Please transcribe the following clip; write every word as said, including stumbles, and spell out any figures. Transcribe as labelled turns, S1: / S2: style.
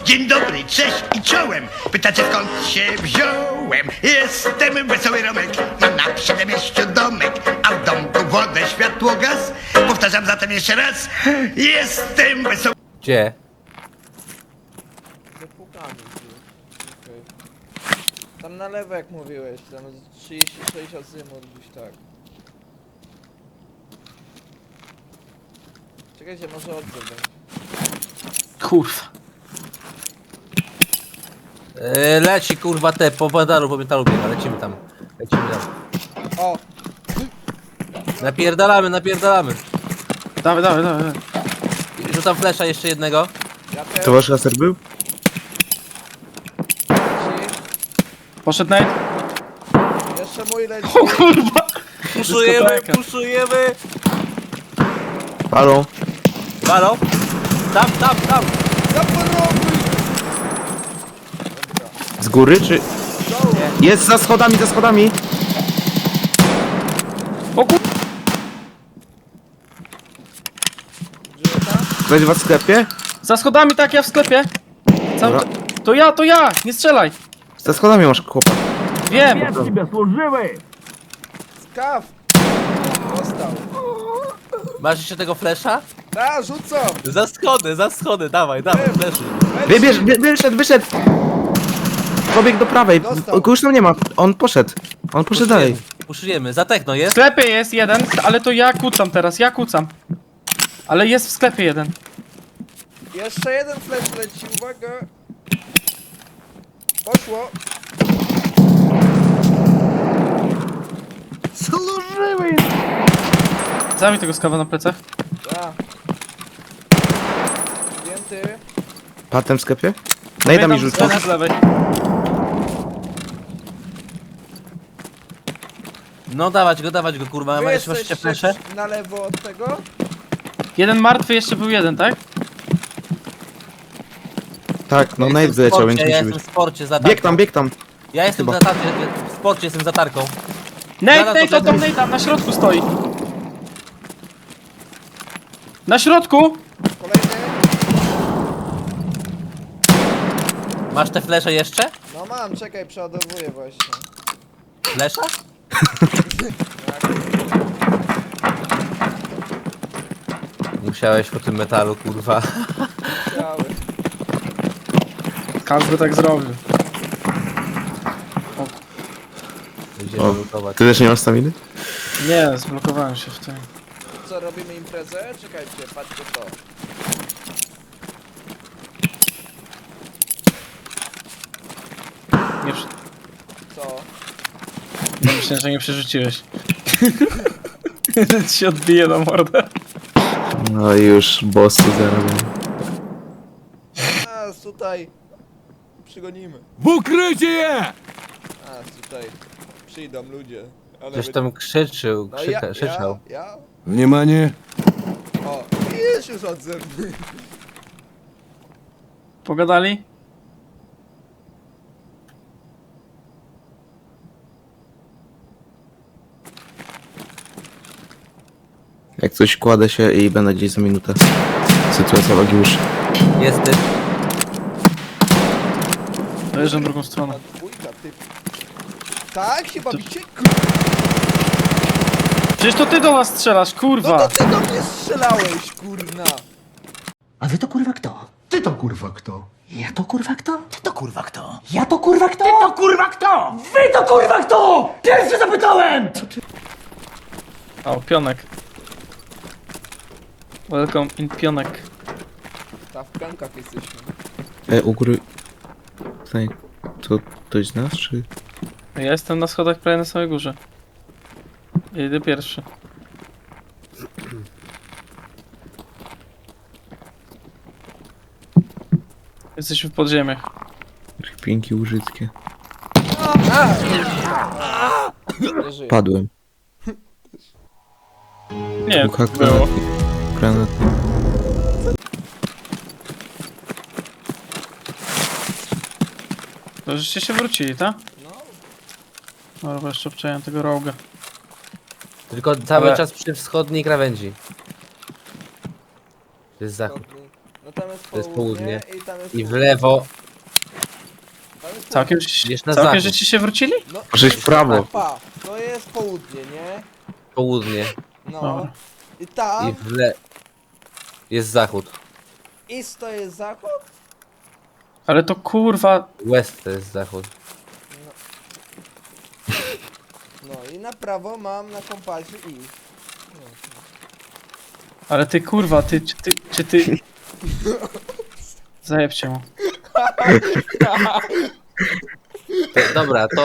S1: Dzień dobry, cześć i czołem. Pytacie skąd się wziąłem? Jestem Wesoły Romek, mam na przedmieściu domek, a w domku wodę, światło, gaz. Powtarzam zatem jeszcze raz. Jestem Wesoły...
S2: Gdzie?
S3: Zapukamy tu. Okej. Tam na lewo jak mówiłeś, tam trzydzieści sześć azymut gdzieś tak. Czekajcie, może odbiór będzie.
S4: Kurwa.
S2: Yy, leci kurwa te, po metalu, po metalu biega, lecimy tam. Lecimy tam.
S3: O!
S2: Napierdalamy, napierdalamy.
S4: Dawaj, dawaj, dawaj.
S2: Rzucam flesza jeszcze jednego.
S3: Ja też.
S5: To wasz laser był?
S3: Leci.
S4: Poszedł Nate?
S3: Jeszcze mój leci.
S4: O kurwa!
S2: Puszujemy,
S4: Dyskoteka.
S2: puszujemy.
S5: Palą.
S2: Halo? Tam, tam, tam.
S3: Zaporobuj!
S5: Z góry czy...
S3: Dołu!
S5: Jest za schodami, za schodami!
S4: O kur...
S3: Żyje tam?
S5: Ktoś was w sklepie?
S4: Za schodami tak, ja w sklepie. Cały...
S5: Dobra.
S4: To ja, to ja! Nie strzelaj!
S5: Za schodami masz chłopa.
S4: Wiem!
S3: Skaw! Dostał.
S2: Masz jeszcze tego flesza?
S3: Da, rzucam!
S2: Za schody, za schody, dawaj, dawaj, fleszy.
S5: Wybierz, wy, wyszedł, wyszedł! Pobiegł do prawej.
S3: Dostał.
S5: O, już tam nie ma. On poszedł. On poszedł dalej.
S2: Puszujemy, za techno
S4: W
S2: jest?
S4: sklepie jest jeden, ale to ja kucam teraz, ja kucam. Ale jest w sklepie jeden.
S3: Jeszcze jeden flash leci, uwaga! Poszło!
S4: Zabij tego skawa na plecach.
S3: Da. Zdjęty.
S5: Patem w sklepie? Najda mi
S4: Pamiętam,
S5: rzucił.
S4: z lewej.
S2: No dawać go, dawać go kurwa,
S3: Wy
S2: ma jeszcze masz jeszcze
S3: jesteście
S2: flesze?
S3: na lewo od tego?
S4: Jeden martwy, jeszcze był jeden, tak?
S5: Tak, no
S2: Ja
S5: Nate
S2: jestem w
S5: wyleciał,
S2: sporcie,
S5: więc
S2: ja
S5: musi
S2: jestem
S5: być.
S2: w sporcie za tarką.
S5: Bieg tam, bieg tam.
S2: Ja jestem
S5: Chyba.
S2: za tarką, w sporcie jestem za tarką.
S4: Nate,
S2: Zaraz
S4: Nate,
S2: poczekaj.
S4: oto Nate'a, na środku stoi. Na środku!
S3: Kolejny.
S2: Masz te flesze jeszcze?
S3: No mam, czekaj, przeładowuję właśnie.
S2: Flesza? Musiałeś po tym metalu, kurwa.
S3: Cały.
S4: Każdy tak zrobił.
S2: Idziemy
S5: O,
S2: lutować.
S5: ty też nie masz staminy?
S4: Nie, zblokowałem się w tym.
S3: Co, robimy imprezę? Czekajcie, patrzcie to.
S4: Nie przy...
S3: Co?
S4: no, myślę, że nie przerzuciłeś. Ci się odbije na mordę.
S5: No i już bossu zarobią.
S3: A, tutaj. Przygonimy.
S6: W ukrycie je!
S3: A, tutaj. Przyjdą ludzie. Ale
S2: Ktoś
S3: wy-
S2: tam krzyczył,
S3: No
S2: krzyka,
S3: ja,
S2: krzyczał.
S3: ja, ja?
S6: Wнимание!
S3: O, jest już odzew.
S4: Pogadali?
S5: Jak coś kładę się i będę gdzieś za minutę. Sytuacja Wagiusz.
S2: Jest ty.
S4: Dojeżdżam drugą stronę.
S3: A dwójka, ty. Tak, chyba
S4: To-
S3: bicie.
S4: Przecież to ty do nas strzelasz,
S3: No
S4: kurwa!
S3: to ty do mnie strzelałeś, kurna.
S7: A wy to kurwa kto?
S8: Ty to kurwa kto?
S7: Ja to kurwa kto?
S8: Ty to kurwa kto?
S7: Ja to kurwa kto? Ty to kurwa kto? Wy to kurwa kto? Pierwszy zapytałem!
S4: O, pionek. Welcome in pionek.
S3: Ta w pionkach jesteśmy.
S5: E, u góry... Tutaj... To ktoś z nas, czy...
S4: Ja jestem na schodach prawie na samej górze. Ja idę pierwszy. Jesteśmy w podziemiach.
S5: Pinki użytkie.
S3: Nie żyję.
S5: Padłem.
S4: Nie,
S5: Bucha
S4: było.
S5: granatnik. Granatnik.
S4: To żeście się wrócili, tak?
S3: No,
S4: Dobra, jeszcze obczajam tego roga.
S2: Tylko cały
S4: Ale-
S2: czas przy wschodniej krawędzi. To jest zachód.
S3: No tam jest
S2: To jest
S3: południe
S2: południe.
S3: i tam tam jest
S2: I w
S3: południe.
S2: lewo.
S3: Tam jest
S4: Całkiem,
S2: Idziesz na
S4: całkiem
S2: zachód.
S4: żeście się wrócili?
S3: południe. No,
S5: Może iść w prawo.
S3: pa, to jest południe, nie?
S2: Południe.
S3: No.
S4: Dobra.
S3: I tam,
S2: I w le... Jest zachód.
S3: east to jest zachód?
S4: Ale to kurwa...
S2: West to jest zachód.
S3: No i na prawo mam na kompasie east.
S4: Ale ty kurwa, ty, czy ty, czy ty... Zajebcie mu.
S2: To, dobra, to